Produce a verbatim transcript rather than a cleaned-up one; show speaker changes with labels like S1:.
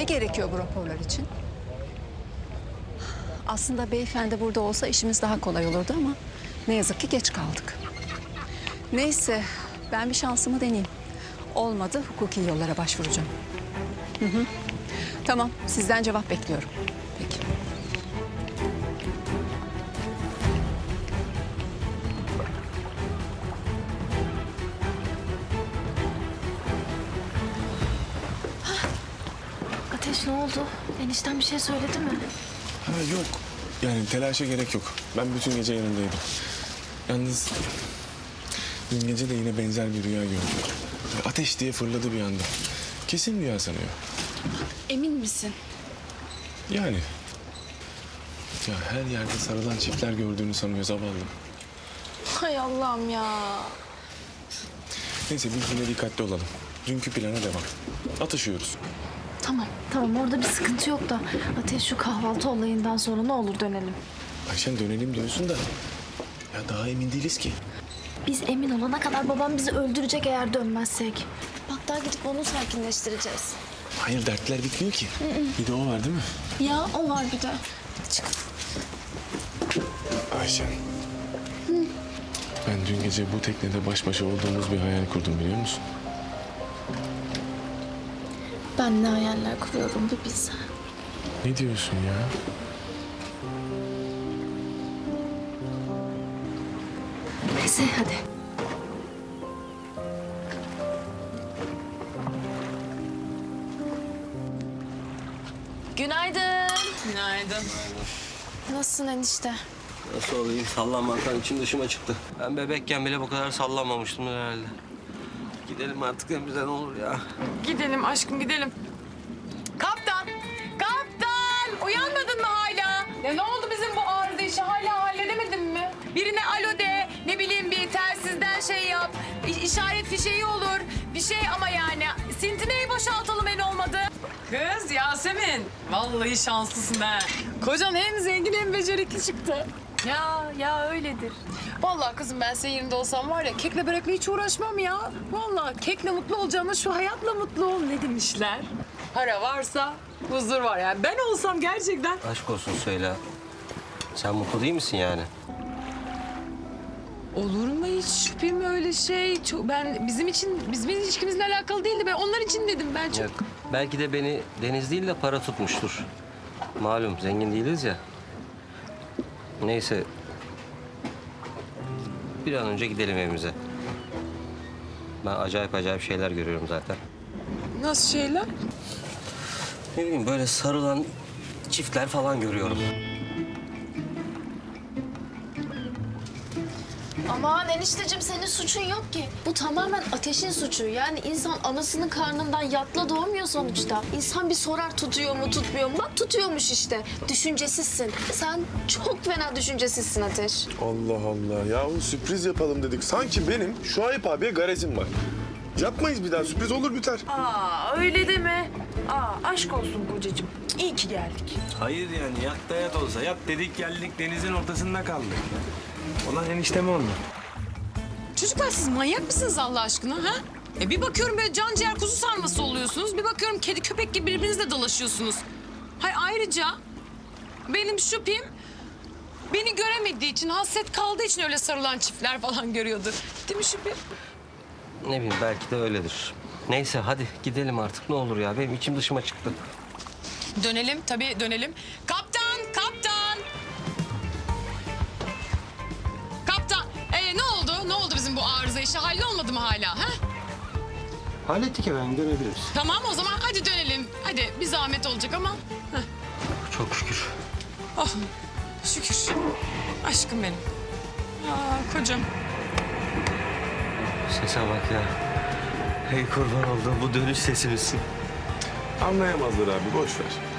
S1: Ne gerekiyor bu raporlar için? Aslında beyefendi burada olsa işimiz daha kolay olurdu ama ne yazık ki geç kaldık. Neyse, ben bir şansımı deneyeyim. Olmadı, hukuki yollara başvuracağım. Hı hı. Tamam, sizden cevap bekliyorum. Peki.
S2: Ateş ne oldu? Enişten bir şey söyledi mi?
S3: Ha yok. Yani telaşa gerek yok. Ben bütün gece yanındaydım. Yalnız dün gece de yine benzer bir rüya gördüm. Ateş diye fırladı bir anda. Kesin rüya sanıyor.
S2: Emin misin?
S3: Yani. Ya her yerde sarılan çiftler gördüğünü sanıyor zavallım.
S2: Hay Allah'ım ya.
S3: Neyse biz yine dikkatli olalım. Dünkü plana devam. Atışıyoruz.
S2: Tamam, tamam orada bir sıkıntı yok da Ateş şu kahvaltı olayından sonra ne olur dönelim.
S3: Ayşen dönelim diyorsun da ya daha emin değiliz ki.
S2: Biz emin olana kadar babam bizi öldürecek eğer dönmezsek. Bak daha gidip onu sakinleştireceğiz.
S3: Hayır dertler bitmiyor ki. Bir de o var değil mi?
S2: Ya o var bir de. Çık.
S3: Ayşen. Ben dün gece bu teknede baş başa olduğumuz bir hayal kurdum biliyor musun?
S2: Ben ne hayaller kuruyorum bir bilsen.
S3: Ne diyorsun ya?
S2: Neyse hadi. Günaydın.
S4: Günaydın.
S2: Nasılsın enişte?
S5: Nasıl olayım? Sallanmaktan içim dışıma çıktı. Ben bebekken bile bu kadar sallanmamıştım herhalde. Gidelim artık evimize ne olur ya.
S4: Gidelim aşkım gidelim. Kaptan! Kaptan! Uyanmadın mı hala? Ya ne oldu bizim bu arıza işi? Hala halledemedin mi? Birine alo de, ne bileyim bir telsizden şey yap. İ- işaret fişeği olur. Bir şey ama yani. Sintineyi boşaltalım en olmadı. Kız Yasemin, vallahi şanslısın ha. Kocan hem zengin hem becerikli çıktı. Ya, ya öyledir. Vallahi kızım ben senin yerinde olsam var ya kekle börekle hiç uğraşmam ya. Vallahi kekle mutlu olacağıma şu hayatla mutlu ol ne demişler. Para varsa huzur var yani. Ben olsam gerçekten...
S5: Aşk olsun söyle. Sen mutlu değil misin yani?
S4: Olur mu hiç şüphem öyle şey? Çok, ben bizim için, bizim ilişkimizle alakalı değildi. Ben onlar için dedim ben çok.
S5: Yok. Belki de beni deniz değil de para tutmuştur. Malum zengin değiliz ya. Neyse. Bir an önce gidelim evimize. Ben acayip acayip şeyler görüyorum zaten.
S4: Nasıl şeyler?
S5: Ne bileyim böyle sarılan çiftler falan görüyorum.
S2: Aman enişteciğim senin suçun yok ki. Bu tamamen Ateş'in suçu. Yani insan anasının karnından yatla doğmuyor sonuçta. İnsan bir sorar tutuyor mu tutmuyor mu? Bak tutuyormuş işte. Düşüncesizsin. Sen çok fena düşüncesizsin Ateş.
S3: Allah Allah. Yahu sürpriz yapalım dedik. Sanki benim Şuayb abiye garezim var. Yapmayız bir daha. Sürpriz olur biter.
S4: Aa öyle deme. Aa aşk olsun kocacığım. İyi ki geldik.
S6: Hayır yani yat da yat olsa. Yat dedik geldik denizin ortasında kaldık. Olan eniştem oldu.
S4: Çocuklar siz manyak mısınız Allah aşkına ha? E bir bakıyorum böyle can ciğer kuzu sarması oluyorsunuz. Bir bakıyorum kedi köpek gibi birbirinizle dalaşıyorsunuz. Hay ayrıca benim şüphem beni göremediği için, hasret kaldığı için öyle sarılan çiftler falan görüyordur. Değil mi şüphem?
S5: Ne bileyim belki de öyledir. Neyse hadi gidelim artık ne olur ya. Benim içim dışıma çıktı.
S4: Dönelim tabii dönelim. Kaptan, kaptan. Kaptan, ee, ne oldu? Ne oldu bizim bu arıza işi? Hallolmadı mı hala? Ha?
S6: Hallettik efendim dönebiliriz.
S4: Tamam o zaman hadi dönelim. Hadi bir zahmet olacak ama. Heh.
S5: Çok şükür.
S4: Oh şükür. Aşkım benim. Aa, kocam.
S5: Sese bak ya. Hey kurban olduğum bu dönüş sesi misin?
S3: Anlayamazlar abi. Boş ver.